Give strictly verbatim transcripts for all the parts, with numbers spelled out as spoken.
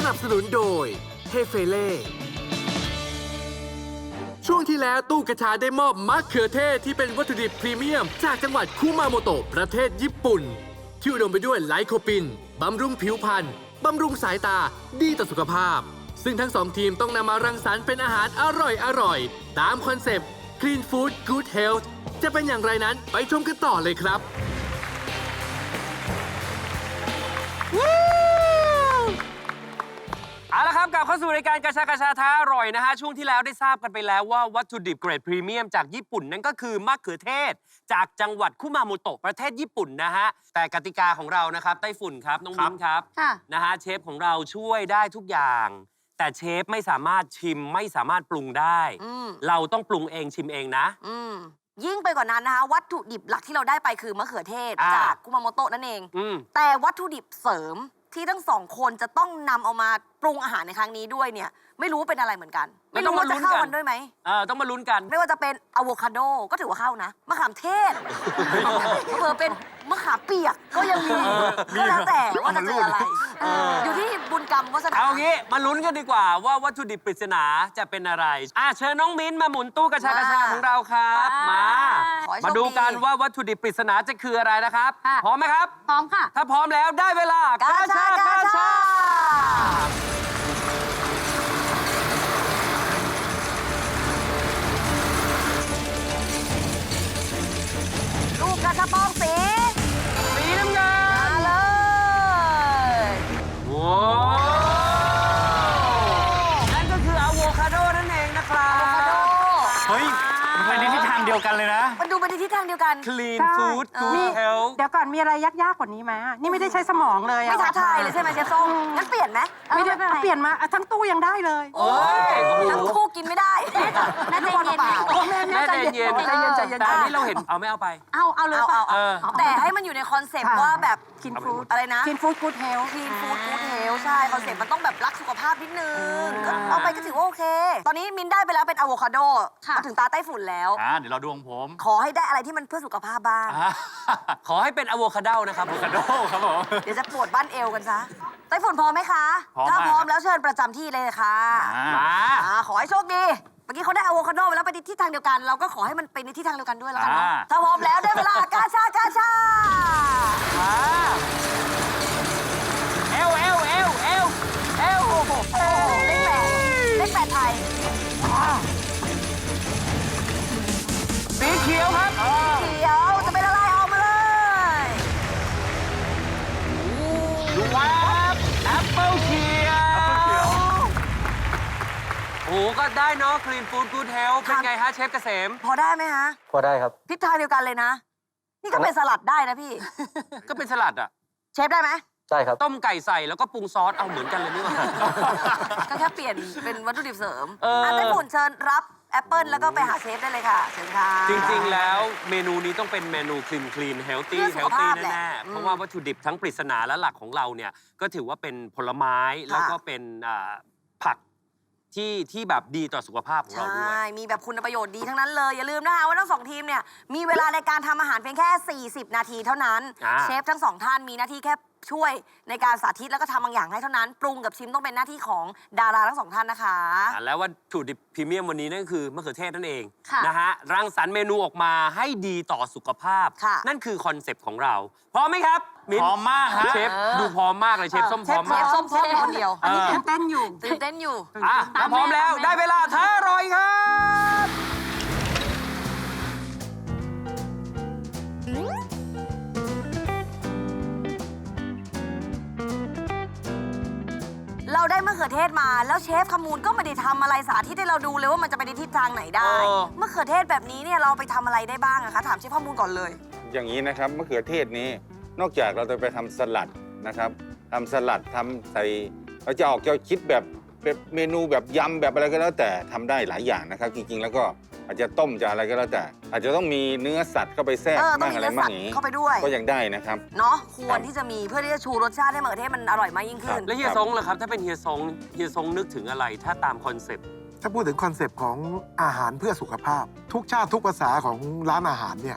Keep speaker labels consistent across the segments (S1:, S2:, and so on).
S1: นับสนุนโดยเฮเฟเล่ช่วงที่แล้วตู้กระชาได้มอบมะเขือเทศที่เป็นวัตถุดิบพรีเมียมจากจังหวัดคุมาโมโตะประเทศญี่ปุ่นที่อุดมไปด้วยไลโคปินบำรุงผิวพรรณบำรุงสายตาดีต่อสุขภาพซึ่งทั้งสองทีมต้องนำมารังสรรค์เป็นอาหารอร่อยอร่อยตามคอนเซปต์ Clean Food Good Health จะเป็นอย่างไรนั้นไปชมกันต่อเลยครับ
S2: เอาละครับกลับเข้าสู่รายการกระชากระชาท้าอร่อยนะฮะช่วงที่แล้วได้ทราบกันไปแล้วว่าวัตถุดิบเกรดพรีเมียมจากญี่ปุ่นนั่นก็คือมะเขือเทศจากจังหวัดคุมาโมโตะประเทศญี่ปุ่นนะฮะแต่กติกาของเรานะครับไต้ฝุ่นครับน้องมิ้นครับนะฮะเชฟของเราช่วยได้ทุกอย่าง แต่เชฟไม่สามารถชิมไม่สามารถปรุงได้เราต้องปรุงเองชิมเองนะ
S3: ยิ่งไปกว่านั้นนะคะวัตถุดิบหลักที่เราได้ไปคือมะเขือเทศจากคุมาโมโตะนั่นเองแต่วัตถุดิบเสริมที่ทั้งสองคนจะต้องนำเอามาปรุงอาหารในครั้งนี้ด้วยเนี่ยไม่รู้เป็นอะไรเหมือนกันไม่รู้ว่าจะเข้ากันด้วยไหม
S2: เออต้องมาลุ้นกัน
S3: ไม่ว่าจะเป็นอะโวคาโดก็ถือว่าเข้านะมะขามเทศเผื่อเป็นมะขามเปียกก็ยังมีก็แล้วแต่ว่าจะเจออะไรอยู่ที่บุญกรรมวาสนา
S2: เอางี้มาลุ้นกันดีกว่าว่าวัตถุดิบปริศนาจะเป็นอะไรอ่ะเชิญน้องมิ้นมาหมุนตู้กระชากระชาของเราครับมามาดูกันว่าวัตถุดิบปริศนาจะคืออะไรนะครับพร้อมไหมครับ
S3: พร้อมค่ะ
S2: ถ้าพร้อมแล้วได้เวลากระชากระชา
S3: ลูกกระชับปองสี
S2: สีน้ำเงิน
S3: มาเลย
S2: ว้าวนั่นก็คืออะโวคาโดนั่นเองนะครับ
S4: เฮ้ยมันไปในทิศทางเดียวกันเลยนะ
S3: มันดูไปในทิศทางเดียวกัน
S2: Clean Food Good Health
S5: เดี๋ยวก่อนมีอะไรยากๆกว่านี้ไหมนี่ไม่ได้ใช้สมองเลย
S3: ไม่ท้าทายเลยใช่ไหมเชฟส้มงั้นเปลี่ยนไหม
S5: ไม่ได้เปลี่ยนมาทั้งตู้ยังได้เลย
S2: โอ้ย
S3: ทั้งตู้กินไม่ได้
S5: น่าจะเย็น
S2: แม่ใจเย็นใจเย็นใจเย็นแต่นี่เราเห็นเอาไม่เอาไป
S3: เอาเอาเลยเอาแต่ให้มันอยู่ในคอนเซ็ปต์ว่าแบบ
S5: Clean Food
S3: อะไรนะ
S5: Clean Food Good Health
S3: Clean Food Good Health ใช่คอนเซ็ปต์มันต้องแบบรักสุขภาพนิดนึงเอาไปก็ถือว่าโอเคตอนนี้มินได้ไปแล้วเป็นอะโวคาโดมาถึงตาไต้ฝุ่นแล้ว
S4: เดี๋ยวเราดูของผม
S3: ขอให้ได้อะไรที่มันเพื่อสุขภาพบ้าง
S2: ขอให้เป็นอะโวคาโดนะครับอะโวคาโดครับผม
S3: เดี๋ยวจะปวดบ้านเอวกันซะไต้ฝุ่นพร้อมไหมคะถ้าพร้อมแล้วเชิญประจำที่เลยค่ะมาขอให้โชคดีเมื่อกี้เขาได้อะโวคาโดไปแล้วไปในทิศทางเดียวกันเราก็ขอให้มันไปในทิศทางเดียวกันด้วยแล้วกันเนาะถ้าพร้อมแล้วได้เวลากาชากาชา
S2: เอวเอวเอวเอวเอว
S3: โอ้โหเลขแปดเลขแปดไทย
S2: สีเขียวครับ
S3: เขียวจะเป็นอะไรออกมาเลย
S2: ว้าวแอปเปิลเขียวโอ้ก็ได้เนาะ Clean Food Good Health เป็นไงฮะเชฟเกษม
S3: พอได้ไหมฮะ
S6: พอได้ครับ
S3: ทิศทางเดียวกันเลยนะนี่ก็เป็นสลัดได้นะพี่
S2: ก็เป็นสลัดอ่ะ
S3: เชฟได้ไหม
S6: ได้ครับ
S2: ต้มไก่ใส่แล้วก็ปรุงซอสเอาเหมือนกันเลยนี่หว่า
S3: ก็แค่เปลี่ยนเป็นวัตถุดิบเสริมอ่ะไต้ฝุ่นเชิญรับแอปเปิลแล้วก็ไปหาเชฟได้เลยค่ะเชิญค่ะ
S2: จริงๆแล้วเมนูนี้ต้องเป็นเมนู clean clean healthy healthy แน่ๆเพราะว่าวัตถุดิบทั้งปริศนาและหลักของเราเนี่ยก็ถือว่าเป็นผลไม้แล้วก็เป็นผักที่ที่แบบดีต่อสุขภาพของเราด้วย
S3: ใช่มีแบบคุณประโยชน์ดีทั้งนั้นเลยอย่าลืมนะคะว่าทั้งสองทีมเนี่ยมีเวลาในการทำอาหารเพียงแค่สี่สิบนาทีเท่านั้นเชฟทั้งสองท่านมีหน้าที่แค่ช่วยในการสาธิตแล้วก็ทำบางอย่างให้เท่านั้นปรุงกับชิมต้องเป็นหน้าที่ของดาราทั้งสองท่านนะคะ
S2: แล้ววัตถุดิบพรีเมียมวันนี้นั่นคือมะเขือเทศนั่นเองนะฮะรังสรรค์เมนูออกมาให้ดีต่อสุขภาพนั่นคือคอนเซปต์ของเราพร้อมไหมครับ
S4: พร้อมมากครับ
S2: เชฟดูพร้อมมากเลยเชฟส้มพร้อมมาก
S3: เชฟส้มพร้อมคนเดียว
S5: อันนี้ตื่นเต้นอยู่
S3: ตื่นเต้นอยู่
S2: อ่ะถ้าพร้อมแล้วได้เวลาท้าอร่อยครับ
S3: เราได้มะเขือเทศมาแล้วเชฟขมูลก็ไม่ได้ทำอะไรสาธิตให้เราดูเลยว่ามันจะไปในทิศทางไหนได้มะเขือเทศแบบนี้เนี่ยเราไปทำอะไรได้บ้างอะคะถามเชฟขมูลก่อนเลย
S7: อย่างนี้นะครับมะเขือเทศนี้นอกจากเราจะไปทำสลัดนะครับทำสลัดทำใส่เราจะออกจะคิดแบบเมนูแบบยำแบบอะไรก็แล้วแต่ทำได้หลายอย่างนะครับจริงๆแล้วก็อาจจะต้มจะอะไรก็แล้วแต่อาจจะต้องมีเนื้อสัตว์เข้าไปแทรกบ้างอะไรบ้างอย่างนี้
S3: เข้าไปด้วย
S7: ก็ยังได้นะครับ
S3: เนาะควรที่จะมีเพื่อที่จะชูรสชาติให้มะเขือเทศมันอร่อยมากยิ่งขึ้น
S2: แล้วเฮียซงเหรอครับถ้าเป็นเฮียซงเฮียซงนึกถึงอะไรถ้าตามคอนเซปต์
S8: ถ้าพูดถึงคอนเซปต์ของอาหารเพื่อสุขภาพทุกชาติทุกภาษาของร้านอาหารเนี่ย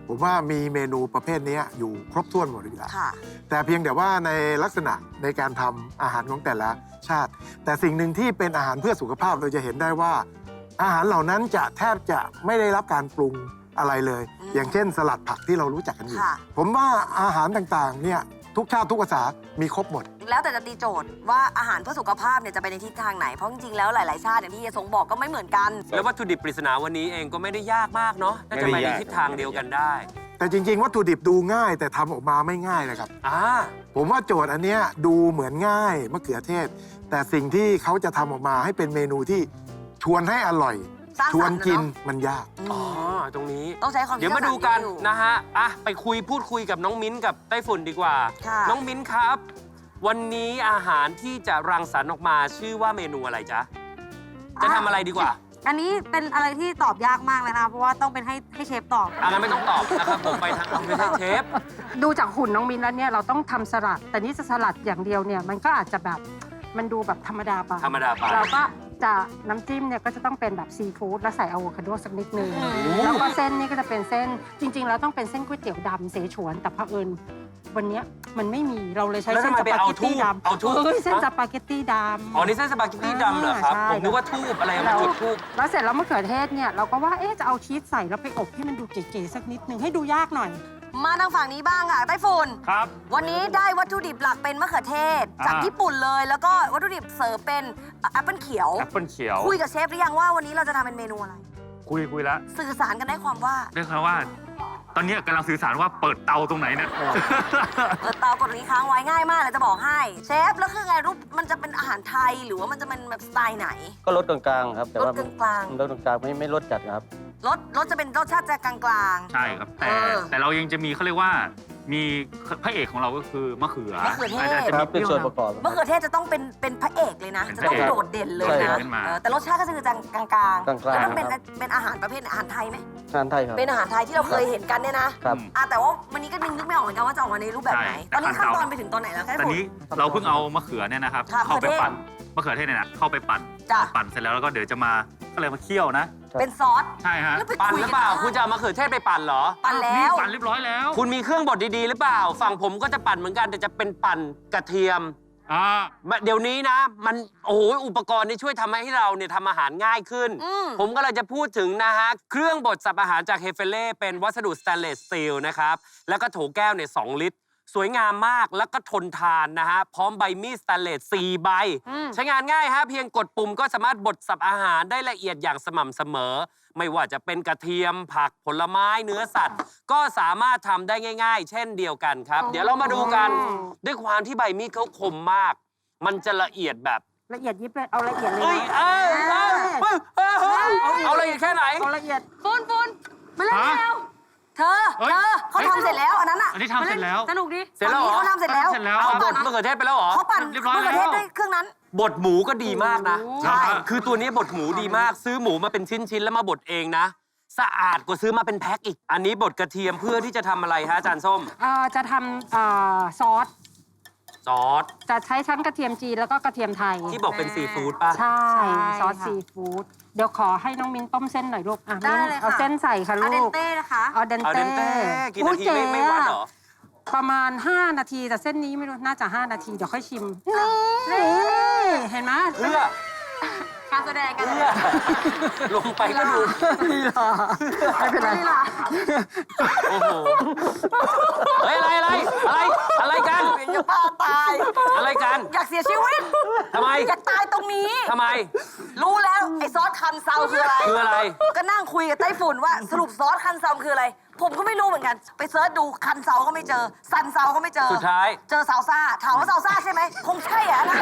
S6: ผมว่ามีเมนูประเภทนี้อยู่ครบถ้วนหมดเลยละ
S3: ค่ะ
S6: แต่เพียงแต่ว่าในลักษณะในการทำอาหารของแต่ละชาติ แต่สิ่งหนึ่งที่เป็นอาหารเพื่อสุขภาพเราจะเห็นได้ว่า อาหารเหล่านั้นจะแทบจะไม่ได้รับการปรุงอะไรเลย
S3: อืม
S6: อย่างเช่น สลัดผักที่เรารู้จักกันอยู่
S3: ค่ะ
S6: ผมว่าอาหารต่างๆเนี่ยทุกชาติทุกภาษามีครบหมด
S3: แล้วแต่จะตีโจทย์ว่าอาหารเพื่อสุขภาพเนี่ยจะไปในทิศทางไหน เพราะจริงๆ แล้วหลาย ๆ ชาติอย่างที่เฮียสงบอกก็ไม่เหมือนกัน
S2: แล้ววัตถุดิบปริศนาวันนี้เองก็ไม่ได้ยากมากเนาะน่าจะไปในทิศทางเดียวกันได้
S6: แต่จริง ๆ วัตถุดิบดูง่ายแต่ทำออกมาไม่ง่ายนะครับ
S2: อ่า
S6: ผมว่าโจทย์อันเนี้ยดูเหมือนง่ายมะเขือเทศ แต่สิ่งที่เขาจะทำออกมาให้เป็นเมนูที่ชวนให้อร่อย
S3: สร้างสรรค์
S6: ชวนกิน
S3: นะเนอะ
S6: มันยาก
S2: อ๋อ ตรงนี้
S3: ต้องใช้ความคิ
S2: เดี๋ยวมาดูกัน
S3: สร้งสรรค์อยู่
S2: นะฮะ อ่ะ ไปคุยพูดคุยกับน้องมิ้นกับไต้ฝุ่นดีกว่า
S3: ค่ะ
S2: น้องมิ้นครับ วันนี้อาหารที่จะรังสรรค์ออกมาชื่อว่าเมนูอะไรจ๊ะ จะทำอะไรดีกว่า
S8: อันนี้เป็นอะไรที่ตอบยากมากเลยนะ เพราะว่าต้องเป็นให้ให้เชฟตอบ
S2: อ่ะงั้นไม่ต้องตอบนะครับ ผมไปทางไม่ใช่เชฟ
S5: ดูจากหุ่นน้องมินแล้วเนี่ยเราต้องทำสลัด แต่นี่จะสลัดอย่างเดียวเนี่ยมันก็อาจจะแบบมันดูแบบธรรมดาไป
S2: ธรรมดาไป
S5: เราก็จะน้ำจิ้มเนี่ยก็จะต้องเป็นแบบซีฟู้ดแล้วใส่อะโวคาโดสักนิดนึงแล้วก็เส้นนี่ก็จะเป็นเส้นจริง ๆ แล้วต้องเป็นเส้นก๋วยเตี๋ยวดำเสฉวนแต่เผอิญวันเนี้ยมันไม่มีเราเลยใช้
S2: แล้ว
S5: เส้น
S2: ทำไม
S5: ส
S2: ไป
S5: ปา
S2: เอา
S5: เกตตี้
S2: ทูบ
S5: ดำ
S2: เอาทูบ
S5: เฮ้ยเส้น
S2: ฮะ
S5: สปาเกตตี้ดำ
S2: อ๋อ นี่เส้นสปาเกตตี้ดำเหรอครับ
S5: ใช่
S2: ผมนึกว่าทูบอะไรมาจุดทูบ
S5: แล้วเสร็จแล้วมะเขือเทศเนี่ยเราก็ว่าเอ๊ะจะเอาชีสใส่แล้วไปอบให้มันดูเก๋ๆสักนิดนึงให้ดูยากหน่อย
S3: มาทางฝั่งนี้บ้างค่ะไต้ฝุ่น
S4: ครับ
S3: วันนี้ได้วัตถุดิบหลักเป็นมะเขือเทศ จาก
S4: อ่า
S3: ญี่ปุ่นเลย แล้วก็วัตถุดิบเสริมเป็นแอปเปิลเขียว
S4: แอปเปิลเขียว
S3: คุยกับเชฟหรือยังว่าวันนี้เราจะทำเป็นเมนูอะไร
S4: คุยคุยแล้ว
S3: สื่อสารกันได้ความว่า
S4: เรียกเขาว่า ตอนนี้กำลังสื่อสารว่าเปิดเตาตรงไหนเนี่ย
S3: เปิดเตากดนี้ค้างไว้ง่ายมากเลยจะบอกให้ เชฟแล้วคือไงรูปมันจะเป็นอาหารไทยหรือว่ามันจะเป็นแบบสไตล์ไหน
S9: ก็ลดกลางๆครับ แต่
S3: ร
S9: ว่า
S3: สกลาง
S9: ลดกลางๆไม่ไม่ลดจัดครับ
S3: ๆรสรสจะเป็นรสชาติจะกลาง
S4: ใช่ครับ แต่
S3: เออ
S4: แต่เรายังจะมีเขาเรียกว่า มีพระเอกของเราก็คือมะเขือ
S3: มะเขือเทศ
S4: าจจะ
S9: ค
S4: มี
S9: รับ เป็นส่วนประกอบ
S3: ๆมะเขือเทศจะต้องเป็นเป็นพระเอกเลยนะ
S4: เป็น
S3: จะ
S4: พระ
S3: ต้อง
S4: เอก
S3: โดดเด่นเลย
S9: ใช่
S3: นะ
S4: ขึ้นมา
S3: เออแต่รสชาติก็คือกลางๆกลาง
S9: กลางๆ
S3: แล้วมันเป็น
S9: ครับ
S3: เป็นอาหารประเภทไหนอาหารไทยไหม
S9: ทานไทยครับ
S3: เป็นอาหารไทยที่เราเคยเห็นกันเนี่ยนะครับ อ่ะแต่ว่าวันนี้ก็นึกนึกไม่ออกเหมือนกันว่าจะออกมาในรูปแบบไหน
S4: ใช่
S3: ตอนนี้ขั้นตอน
S4: แต่
S3: ไปถึงตอนไหนแล้วคะ
S4: ตอนนี้เราเพิ่งเอามะเขือเนี่ยนะครับ
S3: ค่ะ
S4: เข้าไป
S3: มะเขือเทศ
S4: ปั่นมะเขือเทศเนี่ยนะเข้าไปปั่น
S3: จ้ะ
S4: ปั่นเสร็จแล้วแล้วก็เดี๋ยวจะมาก็เลยมาเคี่ยวนะ
S3: เป็นซอส
S4: ใช่ฮะ
S3: แล้วไป
S2: ปั่น
S3: คุย
S2: ห
S3: กั
S2: รือเปล่า คุณจะเอามะเขือเทศไปปั่นเหรอ
S3: ปั่นแล้
S4: นี่
S3: ว
S4: ปั่นเรียบร้อยแล้ว
S2: คุณมีเครื่องบดดีๆ หรือเปล่า ฝั่งผมก็จะปั่นเหมือนกันแต่จะเป็นปั่นกระเทียม
S4: อ่า
S2: เดี๋ยวนี้นะ มันโอ้โหอุปกรณ์นี่ช่วยทำให้เราเนี่ยทำอาหารง่ายขึ้น
S3: อืม
S2: ผมก็เลยจะพูดถึงนะฮะ เครื่องบดสับอาหารจากเฮเฟเล่เป็นวัสดุสแตนเลสสตีลนะครับ แล้วก็โถแก้วเนี่ยสองลิตร สวยงามมากแล้วก็ทนทานนะฮะ พร้อมใบมีดสแตนเลสสี่ใบ ใช้งานง่ายฮะ เพียงกดปุ่มก็สามารถบดสับอาหารได้ละเอียดอย่างสม่ำเสมอ ไม่ว่าจะเป็นกระเทียมผักผลไม้เนื้อสัตว์ ก็สามารถทำได้ง่าย ๆ เช่นเดียวกันครับ เดี๋ยวเรามาดูกัน ด้วยความที่ใบมีดเขาคมมาก มันจะละเอียดแบบ
S5: ละเอียดยิบเลยเอาละเอียดเลย
S2: เอ้ย
S5: นะ
S2: เอ้ยเอ้ยเอ้ยเอ้ยเอ้ยเอาละเอียดแค่ไหน
S5: เอาละเอียด
S3: ฟุนฟุนมาเล่น
S4: ฮะ
S3: แล้วเธอ
S4: เฮ้ย
S3: เธอเขาทำเสร็จแล้วอันนั้นอ่ะ
S4: อันนี้ทำเสร็จแล้ว
S8: สนุกดิ
S2: เสร็จแล้วเหรอ
S3: ฝั่งนี้เขาทำเสร็จแล้ว
S4: เสร็จแล้ว
S2: เอาบดมะเขือเทศไปแล้วเหรอ
S3: เขาปั่น
S4: เรียบร้อย
S3: มะเขือเทศ
S4: แล้ว
S3: ด้วยเครื่องนั้น
S2: บดหมูก็ดีมากนะ
S3: ใช่
S2: คือตัวนี้บดหมูดีมาก ซื้อหมูมาเป็นชิ้น ๆ แล้วมาบดเองนะ สะอาดกว่าซื้อมาเป็นแพ็คอีก อันนี้บดกระเทียมเพื่อที่จะทำอะไรฮะอาจารย์ส้ม
S5: เอ่อจะทำเอ่อซอส
S2: ซอส
S5: จะใช้ชั้นกระเทียมจีนแล้วก็กระเทียมไทย
S2: ที่บอกเป็นซีฟู้ดป่ะ
S5: ใช่
S8: ใช่
S5: ซอส
S8: ค่ะ
S5: ซีฟู้ดเดี๋ยวขอให้น้องมิ้นต้มเส้นหน่อยลูกอ่ะ
S8: ได้
S5: มิ้น
S8: เลยค่ะ
S5: เอาเส้นใส่ค่ะ
S8: อา
S5: ลู
S8: เดน
S5: ก
S8: เต้นะคะ
S5: เอาเดน
S2: เอา
S5: เต้
S2: เดนเต้กี่นาทีไม่ไม่วัดเหรอ
S5: ประมาณ ห้า นาทีแต่เส้นนี้ไม่รู้น่าจะ ห้า นาทีเดี๋ยวค่อยชิมนี่เห็นไหม
S2: เพื่อ
S8: การแสดงกัน
S2: เพื่อ ลงไปก็ดู
S5: นี่หรอไม่เป็นไร
S2: โอ้โห เฮ้ย อะไรอะไร อะไร อะไรกัน
S3: เป็นจะบ้าตาย
S2: อะไรกัน
S3: อยากเสียชีวิต
S2: ทำไม
S3: อยากตายตรงนี้
S2: ทำไม
S3: รู้แล้วไอ้ซอสคันเซาคืออะไร
S2: คืออะไร
S3: ก็นั่งคุยกับไต้ฝุ่นว่าสรุปซอสคันเซาคืออะไร ผมก็ไม่รู้เหมือนกัน ไปเซิร์ชดูคันเซาก็ไม่เจอ ซันเซาก็ไม่เจอ
S2: สุดท้าย
S3: เจอซาวซ่า ถามว่าซาวซ่าใช่ไหม คงใช่อะ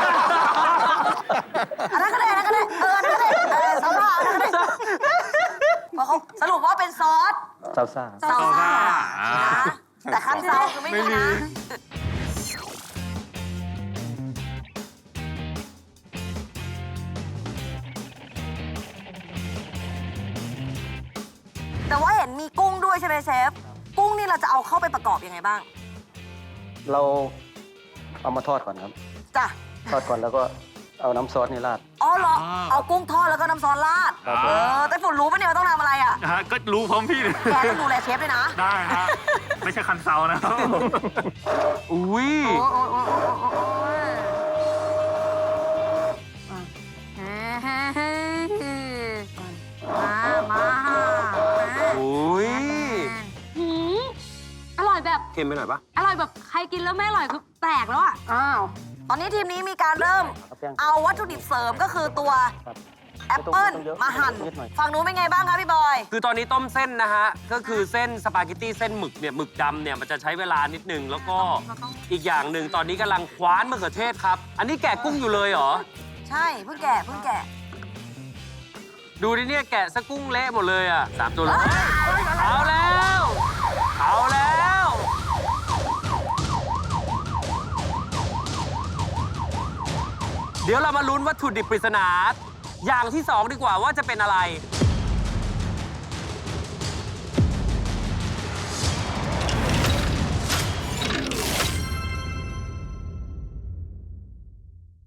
S3: อันนั้นอันนั้นก็ได้อันนั้นก็ได้ เอออันนั้นก็ได้เออซาวซ่าอันนั้นก็ได้พอเขาสรุปว่าเป็นซอส
S9: ซาลซ่า
S3: ซาวซ่า
S4: อ่า
S3: นะแต่คันเซาคือไม่มีนะ แต่ว่าเห็นมีกุ้งด้วยใช่ไหมเชฟ กุ้งนี่เราจะเอาเข้าไปประกอบยังไงบ้าง
S9: เราเอามาทอดก่อนครับ
S3: จ้ะ
S9: ทอดก่อนแล้วก็เอาน้ำซอสนี่ราด
S3: อ๋อเหรอ เอากุ้งทอดแล้วก็น้ำซอสราด
S4: ครับ
S3: เออ แต่ฝนรู้ปะเนี่ยว่าต้องทำอะไรอ่ะ
S4: นะฮะก็รู้พร้อมพี่เลย
S3: แกต้องดูแลเชฟด้วยนะ
S4: ได้ฮะไม่ใช่คันเซานะครับ
S2: อุ้ย
S8: โอ้โอ้โอ้โอ้โอ้โอ้ยเฮ้เฮ้เฮ้มามา
S2: อุ้ย
S8: หืมอร่อยแบบ
S2: เค็มไปหน่อยปะ
S8: อร่อยแบบใครกินแล้วไม่อร่อยคือแปลกแล้วอ่ะ
S5: อ้าว
S3: ตอนนี้ทีมนี้มีการเริ่ม
S9: ครับแป้ง
S3: เอาวัตถุดิบเสริมก็คือตัว
S9: ครับ
S3: แอปเปิ้ล
S9: ไม่ต้องเยอะ
S3: มาหั่น
S9: นิดหน่อย
S3: ฝั่งนู้นเป็นไงบ้างคะพี่บอย
S2: คือตอนนี้ต้มเส้นนะฮะ ก็คือเส้นสปาเกตตี้เส้นหมึกเนี่ยหมึกดำเนี่ยมันจะใช้เวลานิดนึง แล้วก็อีกอย่างหนึ่งตอนนี้กำลังคว้านมะเขือเทศครับ อันนี้แกะกุ้งอยู่เลยเหรอ
S3: ใช่เพิ่งแกะเพิ่งแกะ
S2: ดูดิเนี่ยแกะสะกุ้งเละหมดเลยอ่ะสามตัวเลยเอาแล้ว เอาแล้ว เดี๋ยวเรามาลุ้นวัตถุดิบปริศนา อย่างที่สองดีกว่าว่าจะเป็นอะไร